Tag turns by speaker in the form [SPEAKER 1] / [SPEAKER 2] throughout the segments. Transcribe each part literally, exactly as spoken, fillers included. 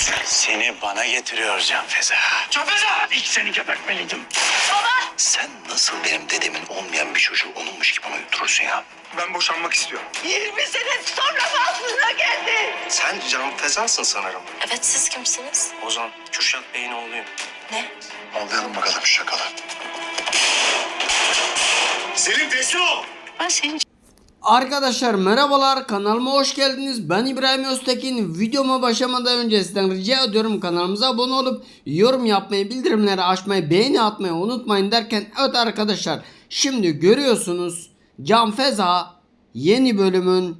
[SPEAKER 1] Seni bana getiriyor Can Feza.
[SPEAKER 2] Can Feza!
[SPEAKER 1] İlk seni gebertmeliydim.
[SPEAKER 3] Baba!
[SPEAKER 1] Sen nasıl benim dedemin olmayan bir çocuğu onunmuş gibi uyutturursun ya?
[SPEAKER 2] Ben boşanmak istiyorum.
[SPEAKER 3] yirmi sene sonra mı aklına geldi?
[SPEAKER 2] Sen Can Feza'sın sanırım.
[SPEAKER 3] Evet, siz kimsiniz?
[SPEAKER 2] Ozan, Kürşat Bey'in oğluyum.
[SPEAKER 3] Ne?
[SPEAKER 1] Anlayalım bakalım şu şakalı.
[SPEAKER 2] Selim teslim ol!
[SPEAKER 3] Ben senin
[SPEAKER 4] Arkadaşlar merhabalar, kanalıma hoş geldiniz. Ben İbrahim Öztekin. Videoma başlamadan önce sizden rica ediyorum kanalımıza abone olup yorum yapmayı, bildirimleri açmayı, beğeni atmayı unutmayın derken, evet arkadaşlar, şimdi görüyorsunuz Can Feza yeni bölümün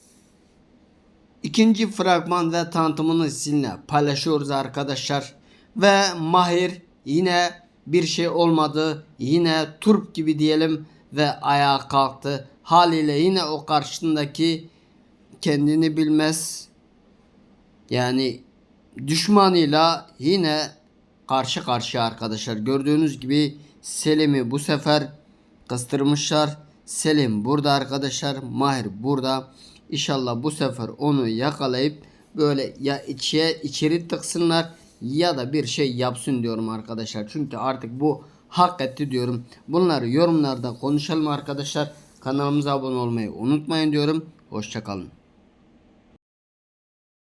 [SPEAKER 4] ikinci fragman ve tanıtımını sizinle paylaşıyoruz arkadaşlar. Ve Mahir yine bir şey olmadı, yine turp gibi diyelim ve ayağa kalktı. Haliyle yine o karşısındaki kendini bilmez, yani düşmanıyla yine karşı karşıya arkadaşlar. Gördüğünüz gibi Selim'i bu sefer kıstırmışlar. Selim burada arkadaşlar, Mahir burada. İnşallah bu sefer onu yakalayıp böyle ya içe içeri tıksınlar ya da bir şey yapsın diyorum arkadaşlar. Çünkü artık bu hak etti diyorum. Bunları yorumlarda konuşalım arkadaşlar. Kanalımıza abone olmayı unutmayın diyorum. Hoşça kalın.